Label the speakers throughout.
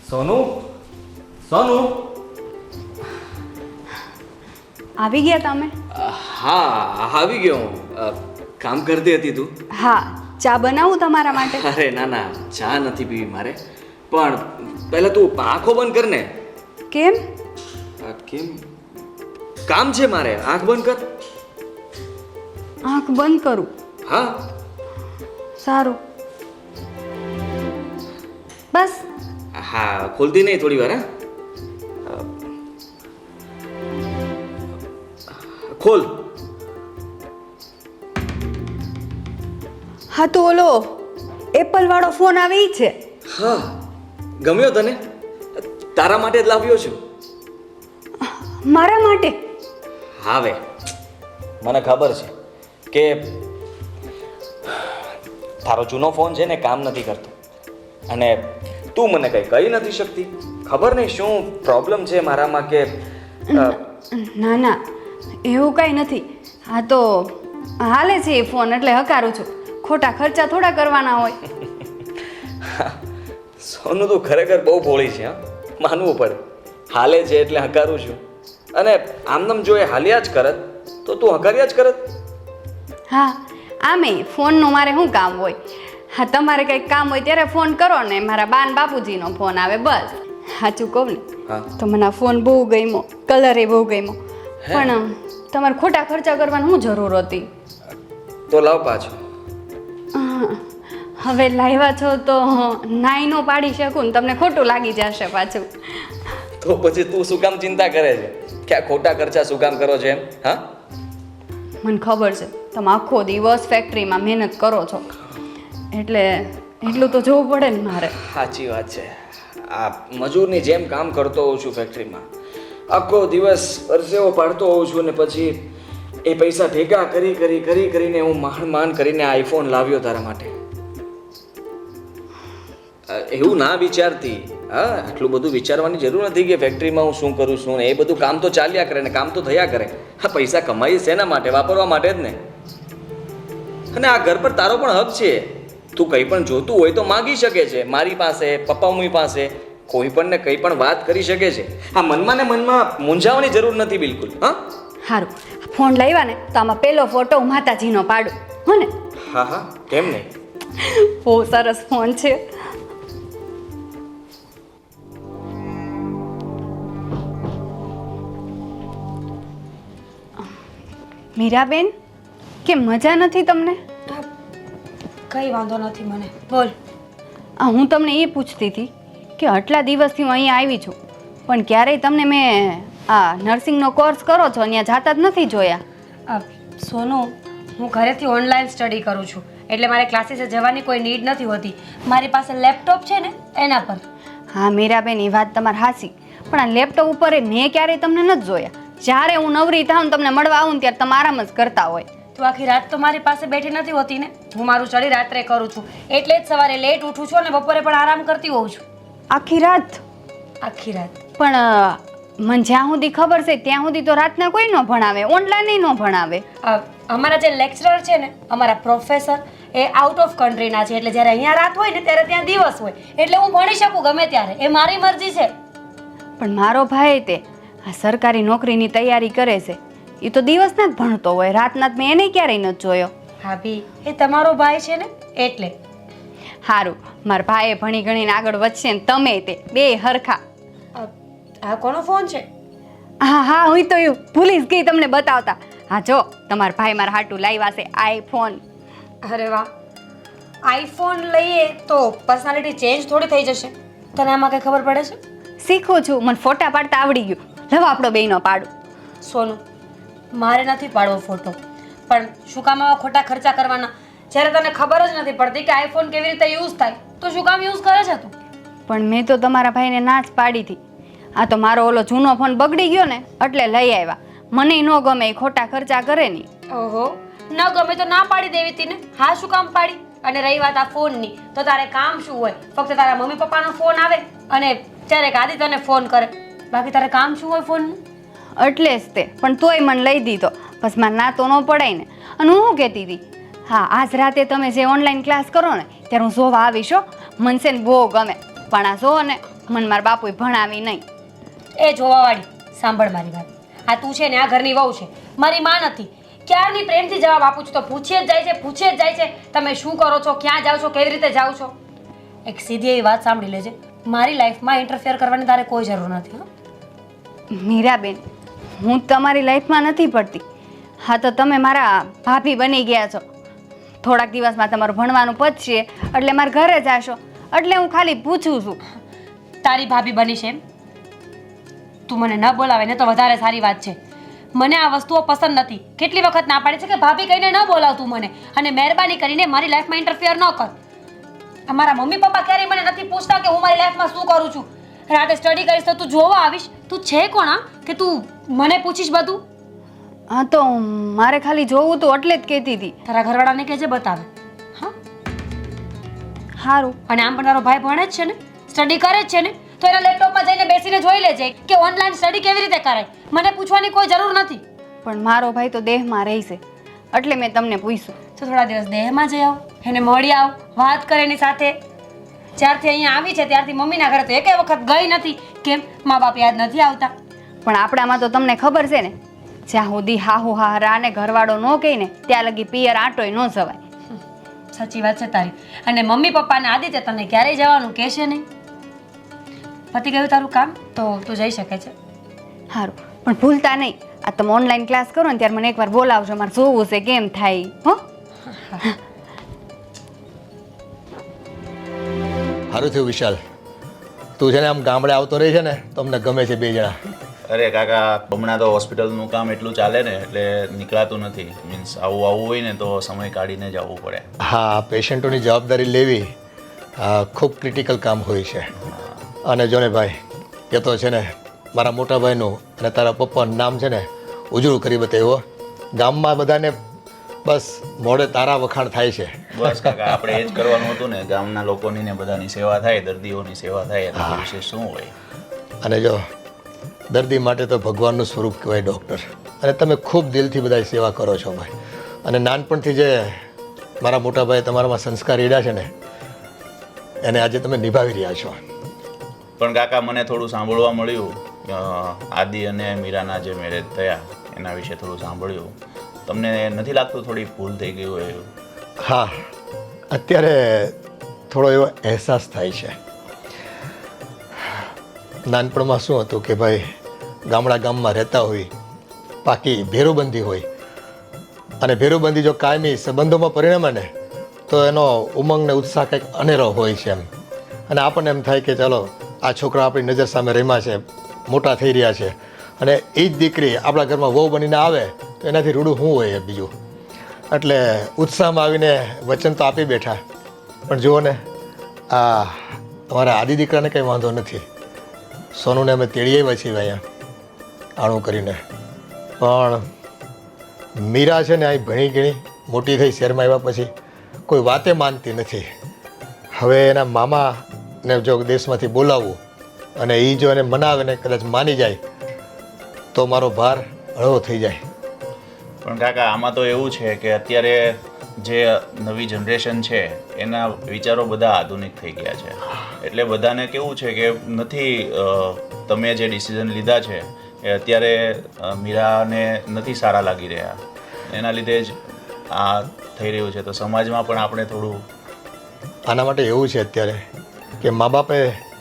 Speaker 1: સોનુ સોનુ
Speaker 2: આવી ગયા તમે?
Speaker 1: હા આવી ગયો હું. કામ કરતી હતી તું?
Speaker 2: હા, ચા બનાવું તમારા માટે?
Speaker 1: અરે ના ના, ચા નથી પીવી મારે. પણ પહેલા તું આંખો બંધ કર ને.
Speaker 2: કેમ?
Speaker 1: કેમ? કામ છે મારે, આંખ બંધ કર.
Speaker 2: આંખ બંધ કરું?
Speaker 1: હા.
Speaker 2: સારું. બસ.
Speaker 1: હા, ખોલતી નહીં થોડી વાર. હા, ખોલ.
Speaker 2: હા તો ઓલો એપલ વાળો ફોન આવે ઈ છે?
Speaker 1: હા, ગમ્યો તને? તારા માટે જ લાવ્યો છું.
Speaker 2: મારા માટે?
Speaker 1: હવે મને ખબર છે કે તારો જૂનો ફોન છે ને કામ નથી કરતો અને તું મને કંઈ કહી નથી શકતી. ખબર નહીં શું પ્રોબ્લેમ છે મારામાં કે
Speaker 2: ના ના, એવું કાંઈ નથી. હા તો હાલે છે એ ફોન એટલે હકારું છું. ખોટા ખર્ચા થોડા કરવાના હોય.
Speaker 1: સોનું તું ખરેખર બહુ ભોળી છે. હા, માનવું પડે. હાલે છે એટલે હકારું છું. અને આમનામ જો એ હાલ્યા જ કરત તો તું હકાર્યા જ કરત.
Speaker 2: હા, આમે ફોનનું મારે શું કામ હોય? હા, તમારે કંઈક કામ હોય ત્યારે ફોન કરો ને મારા બાન બાપુજીનો ફોન આવે બસ. સાચું કહું ને
Speaker 1: હા
Speaker 2: તો મને આ ફોન બહુ ગમ્યો, કલર એ બહુ ગમ્યો. પણ તમારે ખોટા ખર્ચા કરવાની શું જરૂર હતી?
Speaker 1: તો લાવ પાછો.
Speaker 2: હવે લાવ્યા છો તો નાઈ નો પાડી શકું ને તમને ખોટું લાગી જશે પાછું.
Speaker 1: તો પછી તું શું કામ ચિંતા કરે છે કે આ ખોટા ખર્ચા શું કામ કરો છો એમ? હા,
Speaker 2: મને ખબર છે તમે આખો દિવસ ફેક્ટરીમાં મહેનત કરો છો એટલે એટલું તો જોવું પડે ને મારે.
Speaker 1: સાચી વાત છે. આ મજૂરની જેમ કામ કરતો હોઉં છું ફેક્ટરીમાં. આખો દિવસ પરસેવો પાડતો હોઉં છું ને પછી એ પૈસા ભેગા કરીને હું માંડ કરીને આઈફોન લાવ્યો તારા માટે. એવું ના વિચારતી. હા, આટલું બધું વિચારવાની જરૂર નથી કે ફેક્ટરીમાં હું શું કરું છું ને એ બધું કામ તો ચાલ્યા કરે ને કામ તો થયા કરે. હા, પૈસા કમાઈ શેના માટે? વાપરવા માટે જ ને. અને આ ઘર પર તારો પણ હક છે. તું કંઈ પણ જોતું હોય તો માગી શકે છે મારી પાસે, પપ્પા મમ્મી પાસે. કોઈ પણ ને કંઈ પણ વાત કરી શકે છે. આ મનમાં ને મનમાં મૂંઝાવાની જરૂર નથી બિલકુલ. હા,
Speaker 2: સારું, ફોન લાવ્યા ને તો આમાં પેલો ફોટો હું માતાજીનો પાડું હો ને?
Speaker 1: હા હા, કેમ નહીં?
Speaker 2: બહુ સરસ ફોન છે. મીરાબેન, કેમ મજા નથી તમને?
Speaker 3: કંઈ વાંધો નથી મને, બોલ.
Speaker 2: હું તમને એ પૂછતી હતી કે આટલા દિવસથી હું અહીંયા આવી છું પણ ક્યારેય તમને મેં આ નર્સિંગનો કોર્સ કરો છો અહીંયા જાતા જ નથી જોયા.
Speaker 3: સોનુ, હું ઘરેથી ઓનલાઈન સ્ટડી કરું છું એટલે મારે ક્લાસીસે જવાની કોઈ નીડ નથી હોતી. મારી પાસે લેપટોપ છે ને એના પર.
Speaker 2: હા મીરાબેન, એ વાત તમારી હાચી, પણ આ લેપટોપ ઉપર મેં ક્યારેય તમને નથી જોયા. જ્યારે હું નવરી થાઉં ને તમને મળવા આવું ને ત્યારે તમે આરામ જ કરતા હોય.
Speaker 3: તું આખી રાત તો મારી પાસે બેઠી નથી હોતી ને. હું મારું સ્ટડી રાત્રે કરું છું એટલે જ સવારે લેટ ઉઠું છું અને બપોરે પણ આરામ કરતી હોઉં છું.
Speaker 2: આખી રાત?
Speaker 3: આખી રાત.
Speaker 2: પણ મને જ્યાં સુધી ખબર છે ત્યાં સુધી તો રાતના કોઈ ન ભણાવે, ઓનલાઈન ન ભણાવે.
Speaker 3: અમારા જે લેક્ચરર છે ને, અમારા પ્રોફેસર, એ આઉટ ઓફ કન્ટ્રીના છે એટલે જ્યારે અહીંયા રાત હોય ને ત્યારે ત્યાં દિવસ હોય એટલે હું ભણી શકું ગમે ત્યારે. એ મારી મરજી છે.
Speaker 2: પણ મારો ભાઈ તે આ સરકારી નોકરીની તૈયારી કરે છે એ તો દિવસના જ ભણતો હોય, રાતના મેં એને ક્યારેય નથી જોયો.
Speaker 3: ભાભી, એ તમારો ભાઈ છે ને એટલે.
Speaker 2: સારું, મારા ભાઈએ ભણી ગણીને આગળ વધશે ને તમે તે બે હરખા.
Speaker 3: આ કોનો ફોન છે?
Speaker 2: હા હા, હું તો એવું ભૂલી જ ગઈ તમને બતાવતા. હા જો, તમારા ભાઈ મારા હાટું લાવ્યા છે આઈફોન.
Speaker 3: અરે વાહ, આઈફોન લઈએ તો પર્સનાલિટી ચેન્જ થોડી થઈ જશે? તને આમાં કઈ ખબર પડે છે?
Speaker 2: શીખું છું, મને ફોટા પાડતા આવડી ગયું. લવ આપણો બેયનો પાડું.
Speaker 3: સોનું, મારે નથી પાડવો ફોટો, પણ શું કામ આવા ખોટા ખર્ચા કરવાના જ્યારે તને ખબર જ નથી પડતી કે આઈફોન કેવી રીતે યુઝ થાય તો શું કામ યુઝ કરે છે તું?
Speaker 2: પણ મેં તો તમારા ભાઈને ના જ પાડી હતી. આ તો મારો ઓલો જૂનો ફોન બગડી ગયો ને એટલે લઈ આવ્યા. મને ન ગમે એ ખોટા ખર્ચા કરે નહીં.
Speaker 3: ઓહો, ન ગમે તો ના પાડી દેવી હતી ને. હા, શું કામ પાડી? અને રહી વાત આ ફોનની, તો તારે કામ શું હોય? ફક્ત તારા મમ્મી પપ્પાનો ફોન આવે અને ક્યારેક આદિ તને ફોન કરે, બાકી તારે કામ શું હોય ફોનનું?
Speaker 2: એટલે જ તે, પણ તોય મને લઈ દીધો. બસ મારે ના તો ન પડાય ને. અને હું શું કહેતી હતી, હા આજ રાતે તમે જે ઓનલાઈન ક્લાસ કરો ને ત્યારે હું જોવા આવીશ હો. મને છે ને બહુ ગમે, પણ આ જો ને મને મારા બાપુએ ભણાવી નહીં.
Speaker 3: એ જોવાવાળી સાંભળ મારી વાત. આ તું છે ને આ ઘરની વહુ છે, મારી માં નથી. ક્યારની પ્રેમથી જવાબ આપું છું તો પૂછીએ જ જાય છે તમે શું કરો છો, ક્યાં જાઓ છો, કેવી રીતે જાઓ છો. એક સીધી એવી વાત સાંભળી લેજે, મારી લાઈફમાં ઇન્ટરફિયર કરવાની તારે કોઈ જરૂર નથી.
Speaker 2: મીરાબેન, હું તમારી લાઈફમાં નથી પડતી. હા તો તમે મારા ભાભી બની ગયા છો. થોડાક દિવસમાં તમારું ભણવાનું પતશે એટલે મારા ઘરે જાશો, એટલે હું ખાલી પૂછું છું.
Speaker 3: તારી ભાભી બની છે એમ? તું મને ન બોલાવે ને તો વધારે સારી વાત છે. મને આ વસ્તુઓ પસંદ નથી. કેટલી વખત ના પાડી છે કે ભાભી કહીને ન બોલાવતું મને, અને મહેરબાની કરીને મારી લાઈફમાં ઇન્ટરફિયર ન કર. અમારા મમ્મી પપ્પા ક્યારેય મને નથી પૂછતા કે હું મારી લાઈફમાં શું કરું છું. રાતે સ્ટડી કરીશ તો તું જોવા આવીશ. તું છે કોણ કે તું મને પૂછીશ બધું?
Speaker 2: હા તો મારે ખાલી જોવું તો એટલે જ કહેતી હતી.
Speaker 3: તારા ઘરવાળાને કહેજે બતાવે. હા
Speaker 2: સારું.
Speaker 3: અને આમ પણ તારો ભાઈ ભણે જ છે ને, સ્ટડી કરે જ છે ને, તો એના લેપટોપમાં જઈને બેસીને જોઈ લેજે કે ઓનલાઈન સ્ટડી કેવી રીતે કરાય. મને પૂછવાની કોઈ જરૂર નથી.
Speaker 2: પણ મારો ભાઈ તો દેહમાં રહેશે એટલે મેં તમને પૂછ્યું.
Speaker 3: તો થોડા દિવસ દેહમાં જઈ આવ, એને મળી આવ, વાત કરે એની સાથે. જ્યારથી અહીંયા આવી છે ત્યારથી મમ્મીના ઘરે તો એકેય વખત ગઈ નથી. કેમ? મા બાપ યાદ નથી આવતા?
Speaker 2: પણ આપણામાં તો તમને ખબર છે ને, જ્યાં સુધી હાહુ હાહરા અને ઘરવાળો ન કહે ને ત્યાં લગી પિયર આંટોય ન જવાય.
Speaker 3: સાચી વાત છે તારી. અને મમ્મી પપ્પાને આદિત્ય તને ક્યારેય જવાનું કહેશે નહીં. પતી ગયું તારું કામ તો તું જઈ શકે છે.
Speaker 2: સારું, પણ ભૂલતા નહીં, આ તમે ઓનલાઈન ક્લાસ કરો ને ત્યારે મને એકવાર બોલાવજો. મારે જોવું છે કેમ થાય. હો,
Speaker 4: સારું થયું વિશાલ, તું છે ને આમ ગામડે આવતો રહી છે ને તો અમને ગમે છે બે જણા.
Speaker 5: અરે કાકા, હમણાં તો હોસ્પિટલનું કામ એટલું ચાલે ને એટલે નીકળાતું નથી. મીન્સ આવવું હોય ને તો સમય કાઢીને જ આવવું પડે.
Speaker 4: હા, પેશન્ટોની જવાબદારી લેવી ખૂબ ક્રિટિકલ કામ હોય છે. અને જો ને ભાઈ, એ તો છે ને મારા મોટા ભાઈનું અને તારા પપ્પાનું નામ છે ને ઉજળું કરી બતાવ્યો. ગામમાં બધાને બસ મોડે તારા વખાણ થાય છે.
Speaker 5: બસ કાકા, આપણે એ જ કરવાનું હતું ને. ગામના લોકોની ને બધાની સેવા થાય, દર્દીઓની સેવા થાય, એના વિશે શું હોય.
Speaker 4: અને જો દર્દી માટે તો ભગવાનનું સ્વરૂપ કહેવાય ડૉક્ટર. અને તમે ખૂબ દિલથી બધા સેવા કરો છો ભાઈ. અને નાનપણથી જે મારા મોટા ભાઈ તમારામાં સંસ્કાર રેડ્યા છે ને એને આજે તમે નિભાવી રહ્યા છો.
Speaker 5: પણ કાકા, મને થોડું સાંભળવા મળ્યું, આદિ અને મીરાના જે મેરેજ થયા એના વિશે થોડું સાંભળ્યું. તમને નથી લાગતું થોડી ભૂલ થઈ ગઈ હોય એવું?
Speaker 4: હા, અત્યારે થોડો એવો અહેસાસ થાય છે. નાનપણમાં શું હતું કે ભાઈ ગામમાં રહેતા હોય, પાકી ભેરુબંધી હોય, અને ભેરુબંધી જો કાયમી સંબંધોમાં પરિણમે ને તો એનો ઉમંગ ને ઉત્સાહ કંઈક અનેરો હોય છે એમ. અને આપણને એમ થાય કે ચાલો આ છોકરા આપણી નજર સામે રમ્યા છે, મોટા થઈ રહ્યા છે, અને એ જ દીકરી આપણા ઘરમાં વહુ બનીને આવે તો એનાથી રૂડું શું હોય બીજું. એટલે ઉત્સાહમાં આવીને વચન તો આપી બેઠા. પણ જુઓ ને, આ અમારા આદિ દીકરાને કંઈ વાંધો નથી. સોનુને અમે તેડી આવ્યા છીએ અહીંયા આણું કરીને. પણ મીરા છે ને અહીં ભણી ગણી મોટી થઈ શહેરમાં આવ્યા પછી કોઈ વાતે માનતી નથી. હવે એના મામાને જો દેશમાંથી બોલાવવું અને એ જો એને મનાવે ને કદાચ માની જાય તો મારો ભાર હળવો થઈ જાય.
Speaker 5: પણ કાકા, આમાં તો એવું છે કે અત્યારે જે નવી જનરેશન છે એના વિચારો બધા આધુનિક થઈ ગયા છે. એટલે બધાને કેવું છે કે નથી, તમે જે ડિસિઝન લીધા છે એ અત્યારે મીરાને નથી સારા લાગી રહ્યા. એના લીધે જ આ થઈ રહ્યું છે. તો સમાજમાં પણ આપણે થોડું
Speaker 4: આના માટે એવું છે અત્યારે કે મા બાપે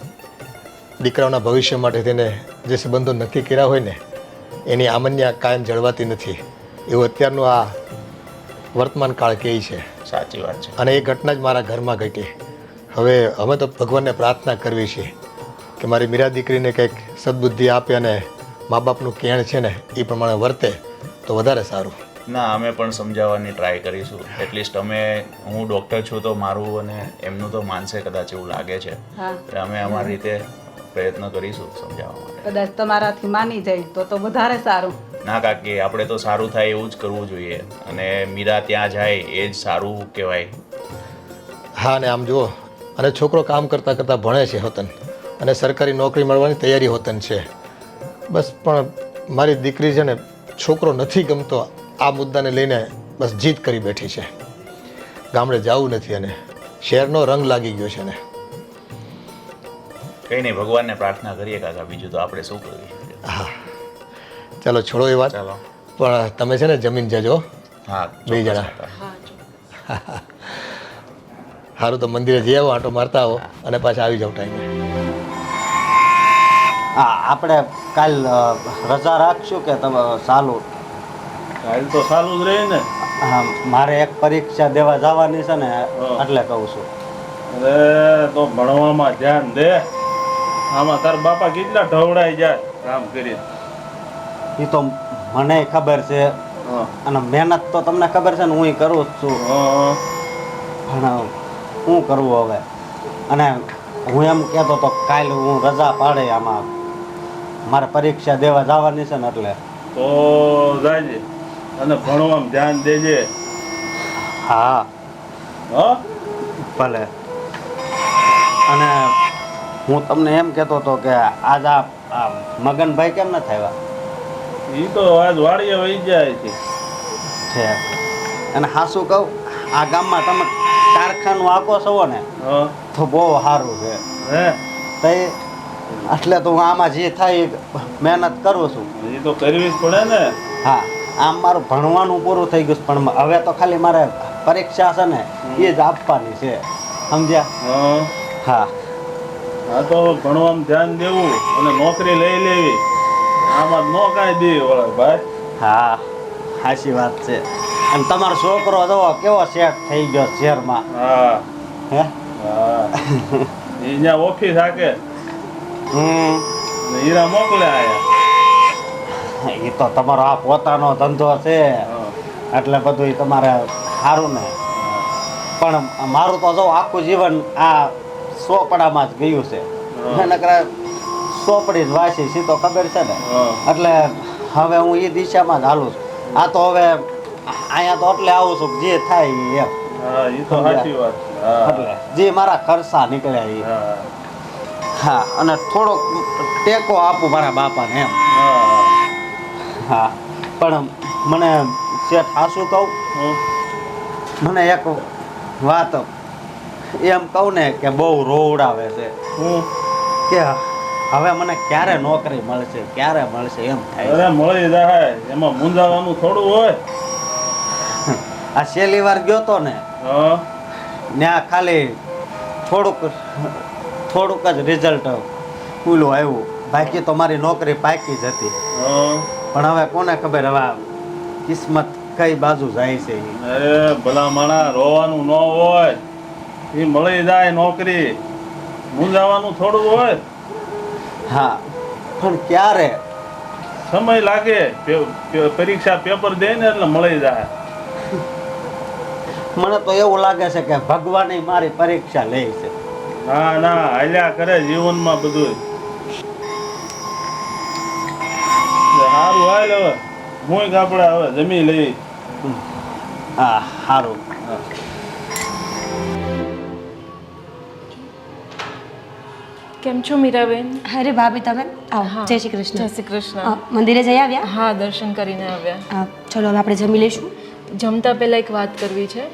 Speaker 4: દીકરાઓના ભવિષ્ય માટે તેને જે સંબંધો નક્કી કર્યા હોય ને એની આમન્યા કાયમ જળવાતી નથી. એવું અત્યારનું આ વર્તમાન કાળ કહે છે.
Speaker 5: સાચી વાત છે.
Speaker 4: અને એ ઘટના જ મારા ઘરમાં ઘટી. હવે અમે તો ભગવાનને પ્રાર્થના કરવી છે કે મારી મીરા દીકરીને કંઈક સદબુદ્ધિ આપે અને મા બાપનું કેણ છે ને એ પ્રમાણે વર્તે તો વધારે સારું.
Speaker 5: ના, અમે પણ સમજાવવાની ટ્રાય કરીશું. એટલીસ્ટ હું ડૉક્ટર છું તો મારું અને એમનું તો માનસે કદાચ એવું લાગે છે. એટલે અમે અમારી રીતે પ્રયત્ન કરીશું સમજાવવા માટે.
Speaker 6: કદાચ તમારાથી માની જાય તો વધારે સારું.
Speaker 5: ના કાકી, આપણે તો સારું થાય એવું જ કરવું જોઈએ. અને મીરા ત્યાં જાય એ જ સારું કહેવાય.
Speaker 4: હા, ને આમ જુઓ, અને છોકરો કામ કરતાં કરતાં ભણે છે હોતન, અને સરકારી નોકરી મળવાની તૈયારી હોતન છે. બસ પણ મારી દીકરી છે ને છોકરો નથી ગમતો આ મુદ્દાને લઈને બસ જીદ કરી બેઠી છે. ગામડે જવું નથી અને શહેરનો રંગ લાગી ગયો છે ને.
Speaker 5: કંઈ નહીં, ભગવાનને પ્રાર્થના કરીએ કાકા, બીજું તો આપણે શું કરવી શકીએ.
Speaker 4: હા ચાલો છોડો એ વાત,
Speaker 5: ચાલો.
Speaker 4: પણ તમે છે ને જમીન જજો
Speaker 5: હા,
Speaker 4: બે
Speaker 5: ચોક્કસ
Speaker 4: જણા.
Speaker 5: કાકા.
Speaker 4: સારું તો મંદિરે જઈ આવો, આંટો મારતા આવો અને પાછા આવી જાવ ટાઈમે.
Speaker 7: હા આપણે કાલ રજા રાખશું કે તમે ચાલુ?
Speaker 8: કાલ તો સારું જ રહે ને.
Speaker 7: હા મારે એક પરીક્ષા દેવા જવાની છે ને એટલે કહું છું.
Speaker 8: અરે તો ભણવામાં ધ્યાન દે. આમાં તાર બાપા કેટલા ઢવડાઈ જાય કામ કરી.
Speaker 7: એ તો મને ખબર છે અને મહેનત તો તમને ખબર છે ને હું કરું જ છું, પણ શું કરવું હવે? અને હું એમ કહેતો તો કાલ હું રજા પાડે, આમાં મારે પરીક્ષા દેવા જવાની છે ને એટલે.
Speaker 8: તો જાજે અને ભણવામાં ધ્યાન દેજે.
Speaker 7: હા
Speaker 8: હા
Speaker 7: ભલે. અને હું તમને એમ કહેતો હતો કે આજ આ મગનભાઈ કેમ ન થયા
Speaker 8: એ તો આજ વાડીએ વહી જાય છે.
Speaker 7: છે? અને હાસું કહું, આ ગામમાં તમે કારખાનું આખો છો ને
Speaker 8: હા
Speaker 7: તો બહુ સારું છે.
Speaker 8: હે
Speaker 7: તો એટલે તો હું આમાં જે થાય એ મહેનત કરું છું.
Speaker 8: એ તો કરવી જ પડે ને.
Speaker 7: હા આમ મારું ભણવાનું પૂરું થઈ ગયું છે, પણ હવે તો ખાલી મારે પરીક્ષા છે ને એ જ આપવાની છે, સમજ્યા?
Speaker 8: હા
Speaker 7: હા
Speaker 8: આ તો ભણવામાં ધ્યાન દેવું અને નોકરી લઈ લેવી. આમાં ન કાંઈ દે વળે ભાઈ.
Speaker 7: હા સાચી વાત છે. અને તમારો છોકરો જુઓ કેવો સેટ થઈ ગયો શહેરમાં.
Speaker 8: હા
Speaker 7: હે
Speaker 8: હા એ અહીંયા ઓફિસ હાકે
Speaker 7: હમ
Speaker 8: ને હીરા મોકલે આયા.
Speaker 7: એ તો તમારો આ પોતાનો ધંધો છે
Speaker 8: હા.
Speaker 7: એટલે બધું તમારે સારું ને. પણ મારું તો જો આખું જીવન આ સોપડામાં જ ગયું છે. નકર સોપડી જ વાંચી સી તો ખબર છે ને.
Speaker 8: હા.
Speaker 7: એટલે હવે હું એ દિશામાં જ હાલું છું. આ તો હવે અહીંયા તો એટલે આવું છું કે જે થાય ઈ એમ.
Speaker 8: હા એ તો સાચી વાત. હા
Speaker 7: એટલે જે મારા ખર્ચા નીકળ્યા એ.
Speaker 8: હા
Speaker 7: હા અને થોડોક ટેકો આપું મારા બાપાને એમ.
Speaker 8: હા
Speaker 7: હા પણ મને શેઠ હાસું કહું, મને એક વાત એમ કહું ને કે બહુ રોવડાવે છે
Speaker 8: હું
Speaker 7: કે હવે મને ક્યારે નોકરી મળશે, ક્યારે મળશે એમ થાય.
Speaker 8: અરે મળી જાય, એમાં મૂંઝાવાનું થોડું હોય.
Speaker 7: આ છેલ્લી વાર ગયો તો ને
Speaker 8: હા
Speaker 7: ત્યાં ખાલી થોડુંક જ રિઝલ્ટ ખુલ્લું આવ્યું, બાકી તો મારી નોકરી પાકી જ હતી.
Speaker 8: હા
Speaker 7: પણ હવે કોને ખબર હવે આ કિસ્મત કઈ બાજુ જાય છે ઈ.
Speaker 8: અરે ભલા માણા રોવાનું ન હોય, એ મળી જાય નોકરી. મૂંઝાવાનું થોડું હોય.
Speaker 7: હા પણ ક્યારે?
Speaker 8: સમય લાગે. પરીક્ષા પેપર દે ને એટલે મળી જાય.
Speaker 7: મને તો એવું લાગે છે કે ભગવાને મારી પરીક્ષા લે છે.
Speaker 8: ના ના હાલ્યા કરે જીવનમાં બધું. સારું હાલ હવે હું આપણે હવે જમી લઈ.
Speaker 7: હા સારું.
Speaker 9: કેમ છો મીરાબેન?
Speaker 3: અરે ભાભી તમે આવો. જય શ્રી કૃષ્ણ.
Speaker 9: જય શ્રી કૃષ્ણ.
Speaker 3: મંદિરે જઈ આવ્યા?
Speaker 9: હા, દર્શન કરીને આવ્યા.
Speaker 3: ચલો હવે આપણે જમી લઈશું.
Speaker 9: જમતા પહેલાં એક વાત કરવી છે.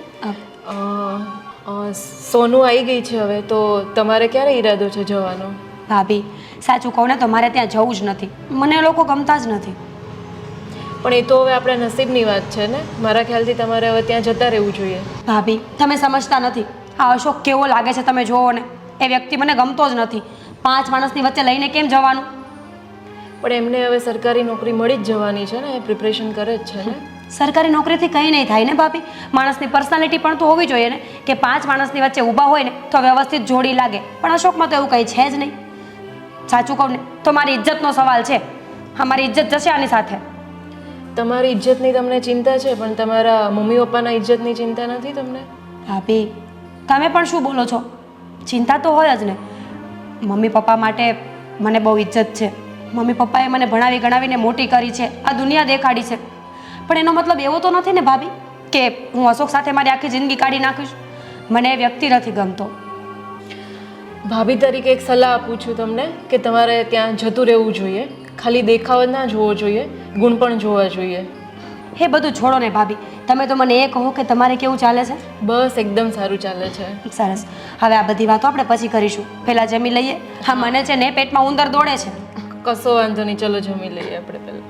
Speaker 9: સોનું આવી ગઈ છે હવે, તો તમારે ક્યારે ઈરાદો છે જવાનો?
Speaker 3: ભાભી સાચું કહું ને તો મારે ત્યાં જવું જ નથી. મને એ લોકો ગમતા જ નથી.
Speaker 9: પણ એ તો હવે આપણા નસીબની વાત છે ને. મારા ખ્યાલથી તમારે હવે ત્યાં જતા રહેવું જોઈએ.
Speaker 3: ભાભી તમે સમજતા નથી. આ અશોક કેવો લાગે છે તમે જુઓ ને. એ વ્યક્તિ મને ગમતો જ નથી. 5 માણસની વચ્ચે લઈને કેમ જવાનું?
Speaker 9: પણ એમને હવે સરકારી નોકરી મળી જ જવાની છે ને, એ પ્રિપરેશન કરે જ છે ને.
Speaker 3: સરકારી નોકરીથી કંઈ નહીં થાય ને ભાભી. માણસની પર્સનાલિટી પણ તો હોવી જોઈએ ને કે 5 માણસની વચ્ચે ઊભા હોય ને તો વ્યવસ્થિત જોડી લાગે. પણ અશોકમાં તો એવું કંઈ છે જ નહીં. સાચું કહું ને તો મારી ઇજ્જતનો સવાલ છે. હા મારી ઇજ્જત જશે આની સાથે.
Speaker 9: તમારી ઇજ્જતની તમને ચિંતા છે, પણ તમારા મમ્મી પપ્પાના ઇજ્જતની ચિંતા નથી તમને?
Speaker 3: ભાભી તમે પણ શું બોલો છો? ચિંતા તો હોય જ ને. મમ્મી પપ્પા માટે મને બહુ ઇજ્જત છે. મમ્મી પપ્પાએ મને ભણાવી ગણાવીને મોટી કરી છે, આ દુનિયા દેખાડી છે. પણ એનો મતલબ એવો તો નથી ને ભાભી કે હું અશોક સાથે મારી આખી જિંદગી કાઢી નાખીશ. મને એ વ્યક્તિ નથી ગમતો.
Speaker 9: ભાભી તરીકે એક સલાહ આપું છું તમને કે તમારે ત્યાં જતું રહેવું જોઈએ. ખાલી દેખાવ જ ના જોવો જોઈએ, ગુણ પણ જોવા જોઈએ.
Speaker 3: એ બધું છોડો ને ભાભી. તમે તો મને એ કહો કે તમારે કેવું ચાલે છે?
Speaker 9: બસ એકદમ સારું ચાલે છે.
Speaker 3: સરસ. હવે આ બધી વાતો આપણે પછી કરીશું. પહેલા જમી લઈએ. હા, મને છે ને પેટમાં ઉંદર દોડે છે.
Speaker 9: કશો વાંધો નહીં, ચલો જમી લઈએ આપણે પહેલાં.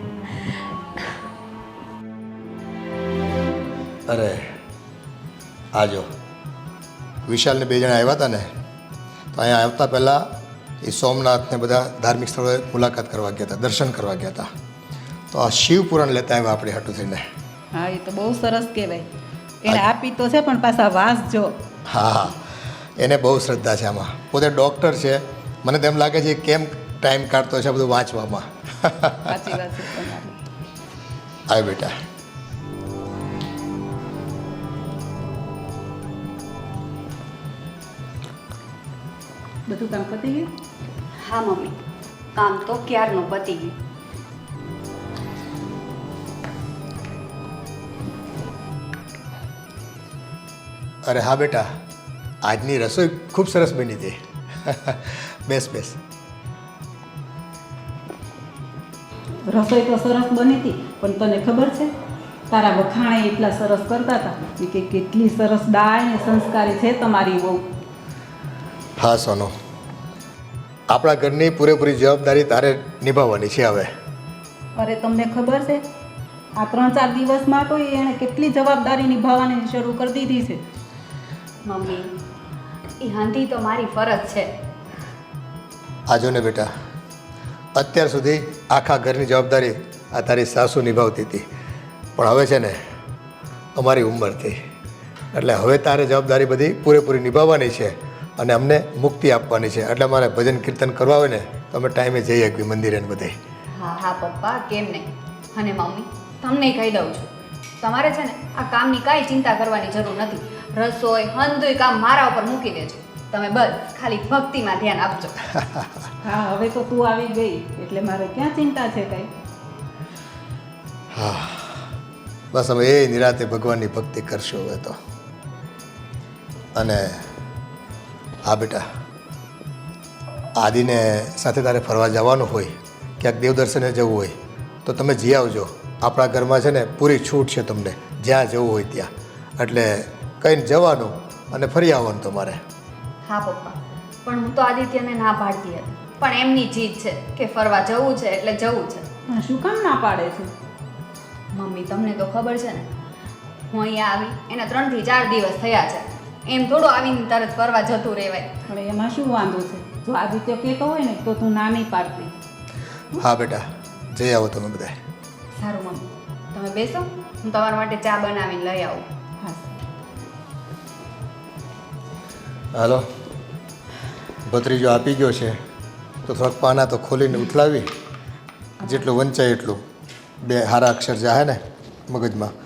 Speaker 4: અરે આજો વિશાલને 2 જણા આવ્યા હતા ને, તો અહીંયા આવતા પહેલાં એ સોમનાથને બધા ધાર્મિક સ્થળોએ મુલાકાત કરવા ગયા હતા, દર્શન કરવા ગયા હતા. તો આ શિવપુરાણ લેતા આવ્યા આપણે હાટું થઈને.
Speaker 6: હા, એ તો બહુ સરસ કહેવાય. એને આપી તો છે પણ પાછા વાંચજો.
Speaker 4: હા હા, એને બહુ શ્રદ્ધા છે આમાં. પોતે ડૉક્ટર છે, મને તેમ લાગે છે કેમ ટાઈમ કાઢતો છે બધું વાંચવામાં.
Speaker 6: સાચી વાત છે તમારી.
Speaker 4: આવે બેટા.
Speaker 6: બધું કામ પતી ગયું?
Speaker 2: હા મમ્મી, કામ તો ક્યારનું પતી ગયું.
Speaker 4: અરે હા બેટા, આજની રસોઈ ખૂબ સરસ બની હતી. બેસ બેસ.
Speaker 6: રસોઈ તો સરસ બની હતી, પણ તને ખબર છે તારા વખાણે એટલા સરસ કરતા હતા કે કેટલી સરસ દાળ ને સંસ્કારી છે તમારી બહુ.
Speaker 4: હા સોનુ, આપણા ઘરની પૂરેપૂરી જવાબદારી તારે નિભાવવાની છે હવે.
Speaker 6: અરે તમને ખબર છે આ 3-4 દિવસમાં તો એણે કેટલી જવાબદારી નિભાવવાની શરૂ કરી દીધી છે.
Speaker 2: મમ્મી, એ હાંધી તો મારી ફરજ છે.
Speaker 4: આજો ને બેટા, અત્યાર સુધી આખા ઘરની જવાબદારી આ તારી સાસુ નિભાવતી હતી, પણ હવે છે ને અમારી ઉંમર થઈ, એટલે હવે તારે જવાબદારી બધી પૂરેપૂરી નિભાવવાની છે અને અમને મુક્તિ આપવાની છે. એટલે મારે ભજન કીર્તન કરવા હોય ને તો અમે ટાઈમે જઈ શકીએ મંદિરે ને બધે.
Speaker 2: હા હા પપ્પા, કેમ નહીં. અને મમ્મી, તમને કહી દઉં છું, તમારે છે ને આ કામની કાંઈ ચિંતા કરવાની જરૂર નથી. રસોઈ હંધુય કામ મારા ઉપર મૂકી દેજો. તમે બસ ખાલી ભક્તિમાં ધ્યાન આપજો.
Speaker 6: હા, હવે તો તું આવી ગઈ એટલે મારે ક્યાં ચિંતા છે કાંઈ.
Speaker 4: હા, બસ અમે એ નિરાતે ભગવાનની ભક્તિ કરશું હવે તો. અને હા બેટા, આદિને સાથે તારે ફરવા જવાનું હોય, ક્યાંક દેવદર્શને જવું હોય તો તમે જઈ આવજો. આપણા ઘરમાં છે ને પૂરી છૂટ છે તમને, જ્યાં જવું હોય ત્યાં. એટલે કહીને જવાનું અને ફરી આવવાનું તમારે.
Speaker 2: હા પપ્પા, પણ હું તો આદિત્યને ના પાડતી હતી, પણ એમની જીદ છે કે ફરવા જવું છે એટલે જવું છે.
Speaker 6: હા, શું કામ ના પાડે છે?
Speaker 2: મમ્મી, તમને તો ખબર છે ને, હું અહીંયા આવી એના 3 થી 4 દિવસ થયા છે. એમ થોડું આવીને તરત ફરવા જતું રહેવાય.
Speaker 6: હવે એમાં શું વાંધો છે? જો આદિત્ય કહેતો હોય ને તો તું ના નહીં પાડતી.
Speaker 4: હા બેટા, જઈ આવો તમે બધા.
Speaker 2: સારું મમ્મી, તમે બેસો, હું તમારા માટે ચા બનાવીને લઈ આવું.
Speaker 6: હા.
Speaker 4: હાલો, ભત્રીજો આપી ગયો છે તો થોડાક પાના તો ખોલીને ઉથલાવી, જેટલું વંચાય એટલું. 2 સારા અક્ષર જાહે ને મગજમાં